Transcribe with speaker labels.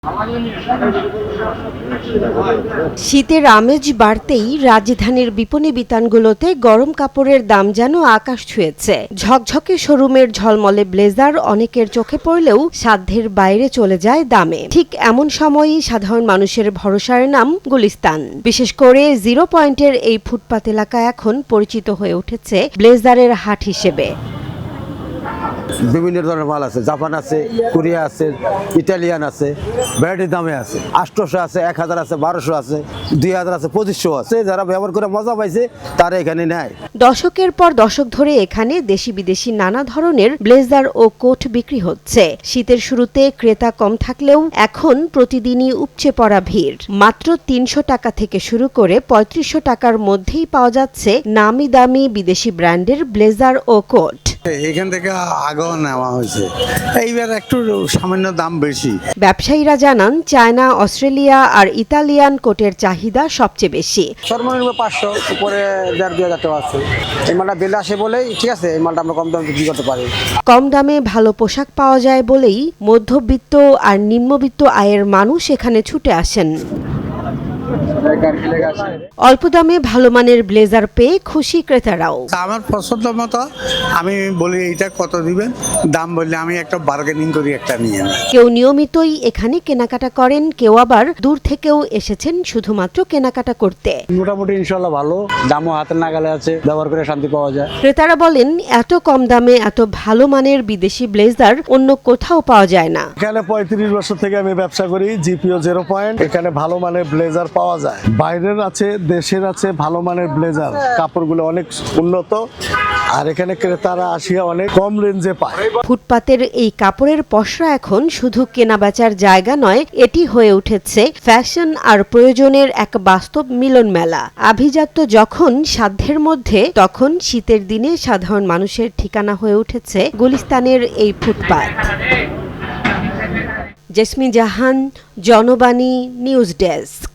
Speaker 1: শীতের আমেজ বাড়তেই রাজধানীর বিপণী বিতানগুলোতে গরম কাপড়ের দাম যেন আকাশ ছুঁয়েছে। ঝকঝকে শোরুমের ঝলমলে ব্লেজার অনেকের চোখে পড়লেও সাধ্যের বাইরে চলে যায় দামে। ঠিক এমন সময়ই সাধারণ মানুষের ভরসার নাম গুলিস্তান। বিশেষ করে জিরো পয়েন্টের এই ফুটপাত এলাকা এখন পরিচিত হয়ে উঠেছে ব্লেজারের হাট হিসেবে।
Speaker 2: বিভিন্ন ধরনের মাল আছে, জাপান আছে, কোরিয়া আছে, ইটালিয়ান আছে, ভ্যারাইটি দামে আছে। 800 আছে, 1000 আছে, 1200 আছে, 2000 আছে, 2500 আছে। যারা ব্যবহার করে মজা পাইছে তারা এখানে নেয়।
Speaker 1: দশকের পর দশক ধরে এখানে দেশি বিদেশি নানা ধরনের ব্লেজার ও কোট বিক্রি হচ্ছে। শীতের শুরুতে ক্রেতা কম থাকলেও এখন প্রতিদিনই উপচে পড়া ভিড়। মাত্র 300 টাকা থেকে শুরু করে 3500 টাকার মধ্যেই পাওয়া যাচ্ছে নামি দামি বিদেশি ব্র্যান্ডের ব্লেজার ও কোট।
Speaker 3: এখান থেকে আগেও নেওয়া হয়েছে, এইবার একটু সামান্য দাম বেশি।
Speaker 1: ব্যবসায়ীরা জানান, চায়না, অস্ট্রেলিয়া আর ইতালিয়ান কোটের চাহিদা সবচেয়ে বেশি।
Speaker 4: সর্বনিম্ন 500 উপরে 1500-2000 টাকা আছে। এই মালটা বেলে আসে বলেই ঠিক আছে, এই মালটা আমরা কম দামে বিক্রি করতে পারি।
Speaker 1: কম দামে ভালো পোশাক পাওয়া যায় বলেই মধ্যবিত্ত আর নিম্নবিত্ত আয়ের মানুষ এখানে ছুটে আসেন। অল্প দামে ভালো মানের ব্লেজার পেয়ে খুশি ক্রেতারাও।
Speaker 3: আমার পছন্দ মতো আমি বলি এইটা কত দিবেন, দাম বললে আমি একটা বার্গেনিং করি, একটা নিয়ে নেই।
Speaker 1: কেউ নিয়মিতই এখানে কেনাকাটা করেন, কেউ আবার দূর থেকেও এসেছেন শুধুমাত্র কেনাকাটা করতে।
Speaker 4: মোটামুটি ইনশাল্লাহ ভালো, দামও হাতের নাগালে আছে, ব্যবহার করে শান্তি পাওয়া যায়।
Speaker 1: ক্রেতারা বলেন, এত কম দামে এত ভালো মানের বিদেশি ব্লেজার অন্য কোথাও পাওয়া যায় না।
Speaker 5: এখানে 35 বছর থেকে আমি ব্যবসা করি, জিপিও 0 পয়েন্ট। এখানে ভালো মানের ব্লেজার পাওয়া যায়, বাইরের আছে, দেশের আছে, ভালো মানের ব্লেজার। কাপড়গুলো অনেক উন্নত, আর এখানে ক্রেতারা আসিয়া অনেক কম রেঞ্জে পায়।
Speaker 1: ফুটপাতের এই কাপড়ের পসরা এখন শুধু কেনাবেচার জায়গা নয়, এটি হয়ে উঠেছে ফ্যাশন আর প্রয়োজনের এক বাস্তব মিলন মেলা। আভিজাত্য যখন সাধ্যের মধ্যে, তখন শীতের দিনে সাধারণ মানুষের ঠিকানা হয়ে উঠেছে গুলিস্তানের এই footpath. Jesmin Jahan, Janabani, news desk.